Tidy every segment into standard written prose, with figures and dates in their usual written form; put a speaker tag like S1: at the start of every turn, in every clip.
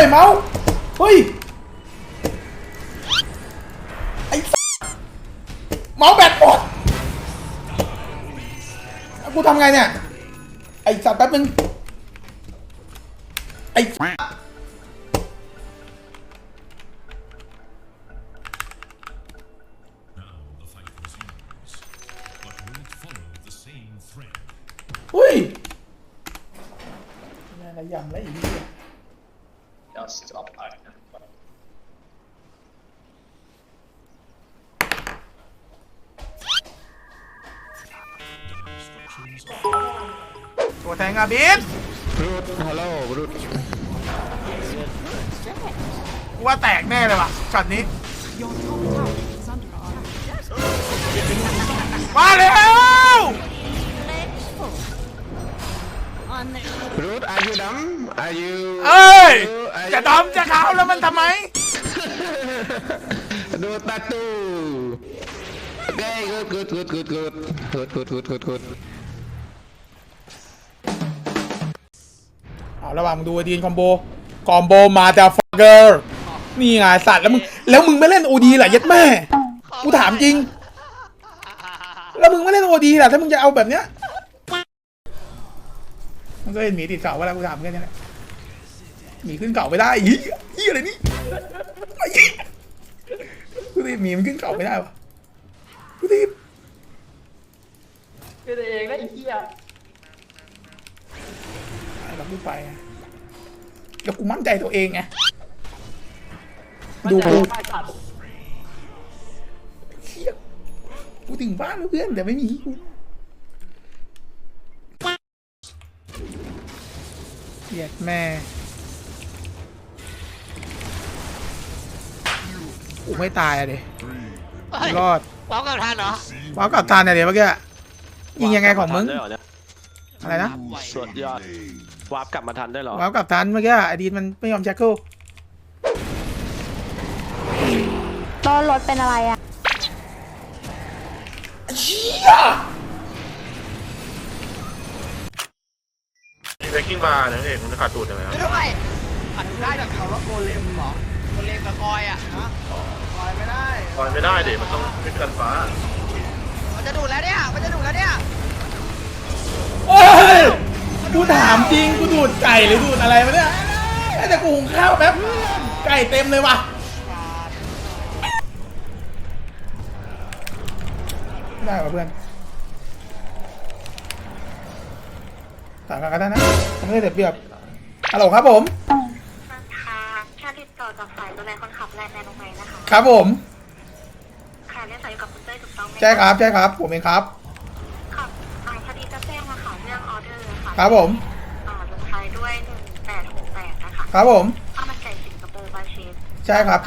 S1: เมาส์เฮ้ยไอ้เมาส์แบตหมดกูทำไงเนี่ยไอ้สัตว์แป๊บนึงไอ้อุ้ยนี่อะไรยำแล้วอีกเนี่ยตัวแทงอาบิสรูดฮัลโหลรูดว่าแตกแน่เลยว่ะช็อตนี้มาแล้วรูดอายุดำอายุเอ้ยจะดำจะขาวแล้วมันทำไมดูตาตูโอเคกูดเอาระหว่างมึงดูดีนคอมโบมาแต่ฟักเกอร์นี่ไงสัตว์แล้วมึงไม่เล่นโอดีเหรอยัดแม่กูถามจริงแล้วมึงไม่เล่นโอดีเหรอถ้ามึงจะเอาแบบเนี้ยมันก็เห็นหมีติดเก่าว่าแล้วกูถามแค่นี้แหละหมีขึ้นเก่าไม่ได้ยี่อะไรนี่กูตีหมีมันขึ้นเก่าไม่ได้วะกูตี
S2: คือตัวเองแล้วไอ้เหี้ย
S1: เราพูดไปแล้วกูมั่นใจตัวเองไงดูกูกูถึงบ้านแล้วเพื่อนแต่ไม่มีกูเหี้ยแม่กูไม่ตายอะเดี๋ยวรอด
S2: ว้าวกับทันเหรอ
S1: ว้าวกับทันอะเดี๋ยวเมื่อกี้ยิงยังไงของมึงอะไรนะ
S3: สุดยอดวาร์ปกลับมาทันได้หรอ
S1: วาร์ปกลับทันเมื่อกี้ไอดีนมันไม่ยอมแจ็คเกิล
S4: ตอนรถเป็นอะไรอะ
S1: เชี่ย
S5: เบกกิ้งบาร์นะเอกมันขาดตูดยังไงครับ
S2: ไม่ได้ขาดได้จากเขาว่าโกเลมหรอโกเลมกับกอยอ่ะนะกอยไม่ได้
S5: เดี๋ยวมันต้องขึ้นกันฟ้า
S2: มันจะดูดแล้วเนี่ย
S1: โอ้ยกูถามจริงกูดูดไก่หรือดูดอะไรมาเนี่ยแต่กูหุงข้าวแป๊บไก่เต็มเลยว่ะได้ป่ะเพื่อนต่างกันได้นะไม่ได้เสียบฮัลโหลครับผม
S4: ค่ะแค่ติดต่อจากสายดูแลคนขับแลนด์ในโรงพยาบาลนะคะ
S1: ครับผม
S4: ค่ะเรียกสายอยู่กับคุณเต้ยถูกต้องไหม
S1: ใช่ครับผมเองครับ
S4: ค่ะพอดีจะแจ้งมาค่ะเรื่องออเดอร์ค่ะ
S1: ครับผม
S4: ลงท้ายด้วย1868นะคะ
S1: ครับผม
S4: ข้าวมันไก่สิงคโปร์บาเชส
S1: ใช่ครับ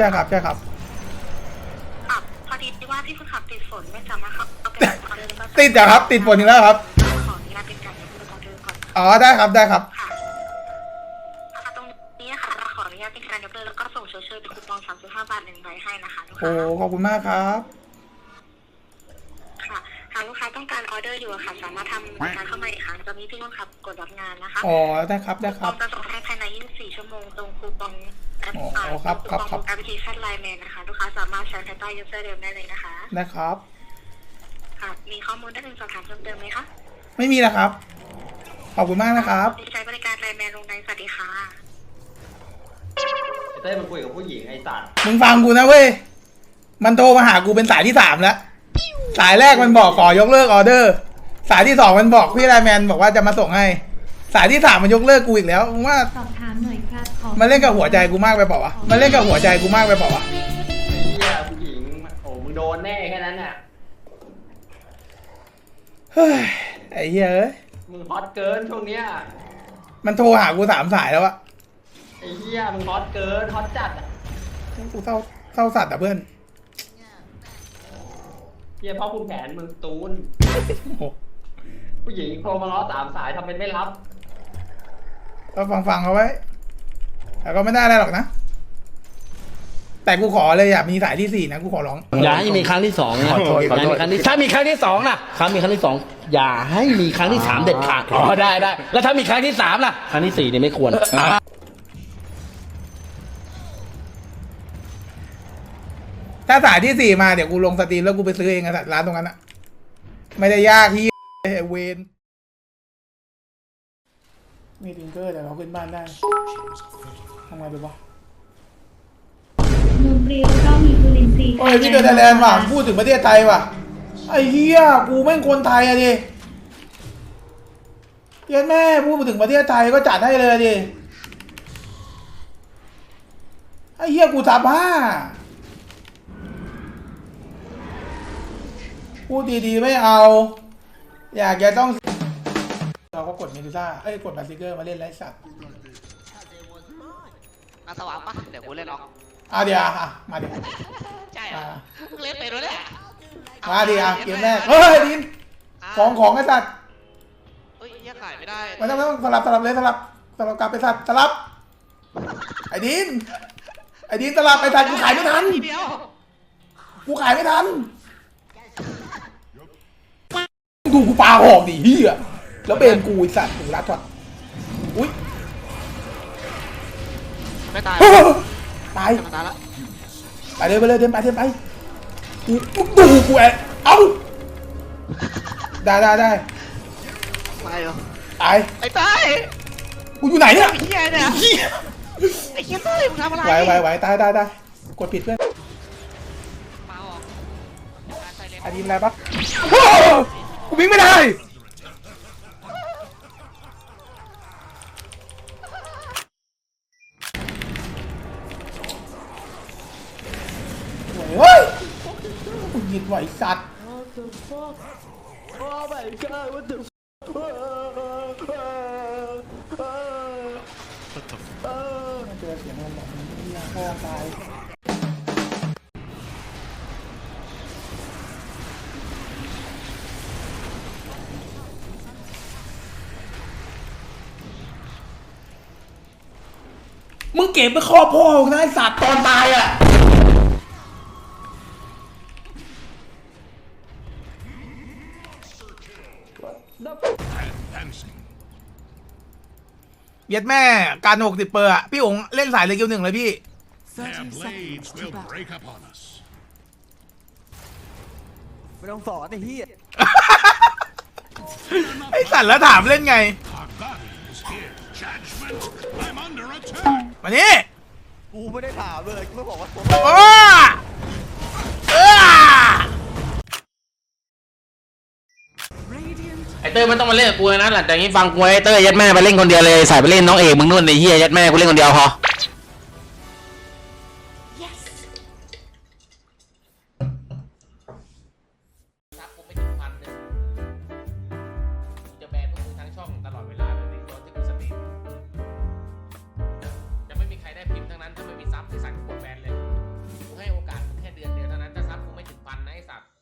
S4: พอดีว่าพี่คนขับติดฝนไม่สามารถเข้าไปออเดอร์ได้
S1: ติดเหรอครับติดฝนอีกแล้วครับ
S4: ขออนุญาตเป็นการยกเลิกออเดอร์ก่อน
S1: อ๋อได้ครับ
S4: ค่ะตรงนี้ค่ะเราขออนุญาตเป็นการยกเลิกแล้วก็ส่งเชิญเป็นคูปอง35 บาท1ใบให้นะคะลูกค้า
S1: โอ้ขอบคุณมากครับ
S4: ค่ะหากลูกค้าต้องการออเดอร์อยู่ค่ะสามารถทำการเข้ามาอีกครั้งจะมีพี่คนขับกดรับงานนะคะ
S1: อ๋อได้ครับ
S4: จะส่งให้ภายใน24 ชั่วโมงตรงคูปอง
S1: ครับ
S4: แอปพลิเคชันไลน์แมนนะคะลูกค้าสามารถใช้ภายใต้ยูเซอร์เดิมได้เลยนะคะ
S1: นะครับ
S4: ค่ะมีข้อมูลได้เป็นสอบถามเพิ่มเติมไหมคะ
S1: ไม่มีนะครับขอบคุณมากนะครับ
S4: ใช้บริการไลน์แมนลงในสวัสดีค่ะ
S2: เต้มันคุยกับผู้หญิงไอ้สัตว์
S1: มึงฟังกูนะเว้ยมันโทรมาหากูเป็นสายที่3แล้วสายแรกมันบอกขอยกเลิกออเดอร์สายที่2มันบอกพี่ไลน์แมนบอกว่าจะมาส่งให้สายที่3มันยกเลิกกูอีกแล้วมึงว่า
S4: สอบถามหน่อยครับ
S1: มันเล่นกับหัวใจกูมากไปเปล่าวะ
S2: ไอ้เหี้ยผู้หญิงโอ้มึงโดนแน่แค่นั้นน่ะ
S1: เฮ้ยไอ้เหี้ย
S2: มึงฮอตเกินช่วงเนี้ย
S1: มันโทรหากู3 สายแล้วอะ
S2: ไอ้เหี้ยมึงฮอตเกินฮอตจัด
S1: กูเศร้าสัตว์อะเพื่อน
S2: เหี้ยพ่อคุณแผนมึงตูนผู้หญิงโทรมาล้อ3 สายทำเป็นไม่รับ
S1: ก็ฟังเขาไว้แต่ก็ไม่ได้อะไรหรอกนะแต่กูขอเลยอยากมีสายที่4นะกูขอร้อง
S6: อย่าให้มีครั้งที่2นะ
S1: ขอโทษ
S6: ถ้ามีครั้งที่2นะมีครั้งที่2อย่าให้มีครั้งที่3เด็ดขาดได้แล้วถ้ามีครั้งที่3ล่ะครั้งที่4เนี่ยไม่ควร
S1: ถ้าสายที่ 4มาเดี๋ยวกูลงสตรีมแล้วกูไปซื้อเองอะร้านตรงนั้นอะไม่ได้ยากที่เวนมีทิงเกอร์แต่เราขึ้นบ้านได้ทำไงดีวะ
S7: นมเปรี้ยวก็มีจุลินทรีย์
S1: โอ้ยพี่เดอร์ไทยแลนด์ว่ะพูดถึงประเทศไทยว่ะไอ้เหี้ยกูแม่งคนไทยอะดิเหี้ยแม่พูดถึงประเทศไทยก็จัดให้เลยอะดิไอ้เหี้ยกูทับ5พูดดีๆไม่เอา อยากจะต้องเราก็กดเมดูซ่าเอ้ยกดบาซิเกอร์มาเล่นไรสัตว์
S8: สว่างปะเดี๋ยวกูเล่นออก
S1: เดี๋ยวมาดิ
S8: ใช่เหรอมึงเล่นไปด้วยเนี่ย
S1: มาดิเกมแรกเฮ้ยดินของไอ้สัตว์
S8: เฮ้ยยังขายไม่ได้
S1: ไม่ต้องสลับเลยสลับกลับไปสัตว์สลับไอ้ดินสลับไปสัตว์กูขายไม่ทัน
S8: ทีเดียว
S1: กูขายไม่ทันดูกูปาหอกดิเฮียแล้วเป็นกูไอ้สัตว์กูรัดช็อตอุ้ย
S8: ไม่ตาย
S1: ตาย
S8: มันตายละ
S1: ไปเลยเดินไปกูดูกูเอ้าได้
S8: ตายเหรอ
S1: ตาย
S8: ไอ้ตาย
S1: กูอยู่ไหนเนี่ย
S8: ไอ้เหี้ยเนี่ยไอ้เหี้ยเต้ยมึงทำอะไร
S1: ไหวตายกดผิดเพื่อน
S8: เมาออกการใส่เลน
S1: อันนี้อะไรปะกูวิ่งไม่ได้เฮ้ยกูหยิบไหวสัตว์เจอเสียงมันแบบนี้พ่อตายมึงเก็บไปครอบพ่อของนายสัตว์ตอนตายอ่ะเย็ดแม่การ60เปอร์อะพี่องเล่นสายเลยเกียว1เลยพี่
S9: Their blades will break upon us.
S6: ไม่ต้องสอนไอ้เหี้ย
S1: ไอสัตว์แล้วถามเล่นไง
S9: Our guardian is here. Judgment. I'm under attack.
S1: มานี่
S6: กูไม่ได้ถามเลยกูไม่บอกว่าตัว
S1: โอ้
S10: ไอเต้ยไม่ต้องมาเล่นกับกูนะหลังจากนี้ฟังกูไอเต้ยยัดแม่ไปเล่นคนเดียวเลยสายไปเล่นน้องเอกมึงนู่นไอ้เหี้ยยัดแม่กูเล่นคนเดียวพอครับกูไม่ถึง1,000จะแบนพวกมึงทั้งช่องตลอดเวลาเลยในตอนที่กูสตรีมจะไม่มีใครได้พิมพ์ทั้งนั้นถ้าไม่มีซับที่สั่ง